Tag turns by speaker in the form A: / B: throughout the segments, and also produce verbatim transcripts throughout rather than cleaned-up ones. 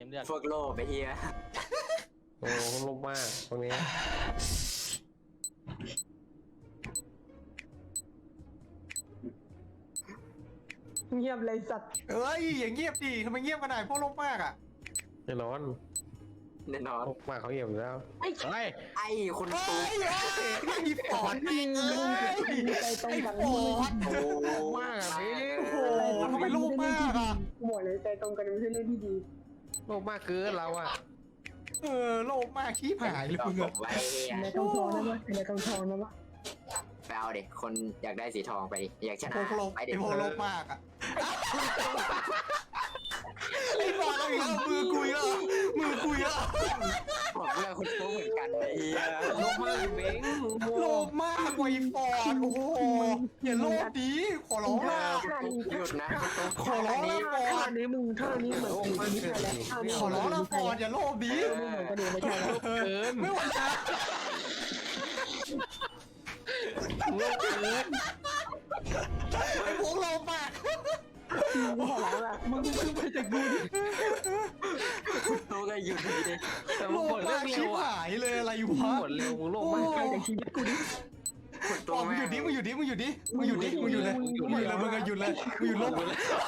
A: เลือด
B: พวกโลภไปเฮีย
C: โอ้โหลงมากตรงนี้
D: เงียบเลยสัตว์
E: เอ้ยอย่างเงียบดิทำไมเงียบขนาดพวกโลกมากอ่ะ
C: แน่นอน
B: แน่นอน
C: ลงมากเขาเหี่ยวอยู่แล้ว
A: เฮ้ย
B: ไอ้คน
E: เฮ้
B: ตู
E: ยไอ้ปอดแม่งเอ้ย
D: มีใจตรงกัน
E: ไอ้ปอด
B: โอ้
C: ลงมากอ่ะพี่
E: โอ้โหทำไมโลกมากอ่ะ
D: หมดเลยใจตรงกันไม่ใช่เรื่องที่ดี
C: ลงมากเกินเราอ่ะ
E: เออโลกมากขี้ผายเลย
B: ก็
E: มึง
B: บอ
E: อะ
B: กไว้เฮีย
D: ในทองทองนะวะในทองทองนะวะ
B: ไปเอาเด็กคนอยากได้สีทองไปดิอยากช
E: พ
B: นะ
E: วกโลก
B: ไป
E: ไอ้
B: เด็ก
E: พวกโลกมากอ่ะไอ้ปอดเอาอีกแล้วมือกุยแล้วมือกุยแล้ว
B: บอกเรื่องคนตูเหมือนกันไอ้เฮีย
C: ลงมากเบ้ง
E: โลกมากไอ้ปอดโอ้โหอย่าโลกดีขอร้องละ
B: หยุดนะ
E: ขอร้องละปอ
D: ท่า
E: ด
D: นี้มึงท่านี้เหมือนกูไม่ใช่แล้วท่านี้
E: ขอร้องละปอดอย่าโลกดี
D: ไม่เหมือนกันเลยไม่ใช่แล้ว
C: เกิน
E: ไม่ไหวนะ
C: ลงเกิน
E: ไอ้พวกโลกมาก
D: มึงขอร้องละมึงขึ้นไปจากกูดิ
B: ตูก็หยุดดีดิ
C: แต่
E: โล
C: มึงหม
E: ก
C: ด
E: มา
C: เร็
E: กชิบ
C: วอ่ะ
E: หายเลยอะไร
C: มึง
E: วะ
C: หมดเร็วมึงลงมาก
D: ไปจากชีวิตกูดิ
B: คน
E: ป
B: ตู
E: อดมึง
B: แม่
E: หยุดดิมึงหยุดดิมึงหยุดดิมึงหยุดดิมึงหยุดเลยมึงหยุดเลยมึงก็หยุดเลยมึงหยุดโลก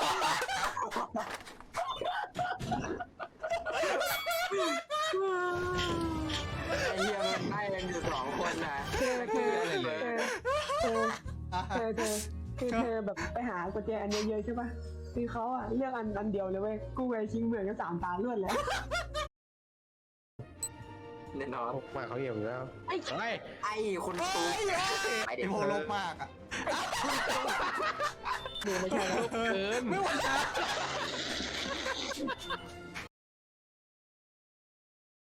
B: ไอ้เฮียมันได้กันอยู่สองคนนะ
D: เธอเธอเธอเธอเธอเธอคือเธอแบบไปหากุญแจอันเยอะๆใช่ป่ะคือเขาอะเลือกอันอันเดียวเลยเว้ยกูไอชิงเหมือนกันสามตาล้วนแล้ว
B: แน่นอน
C: ลงมากเขาเหี่ยวอยู่แล้วเฮ้ย
B: ไอ้คนตู ไปเด็
E: ไอ้
B: ก
E: พวกโลกมากอ่ะ
D: ดูไม่ใช่แล้ว
C: เกิน
E: ไม่ไหวนะ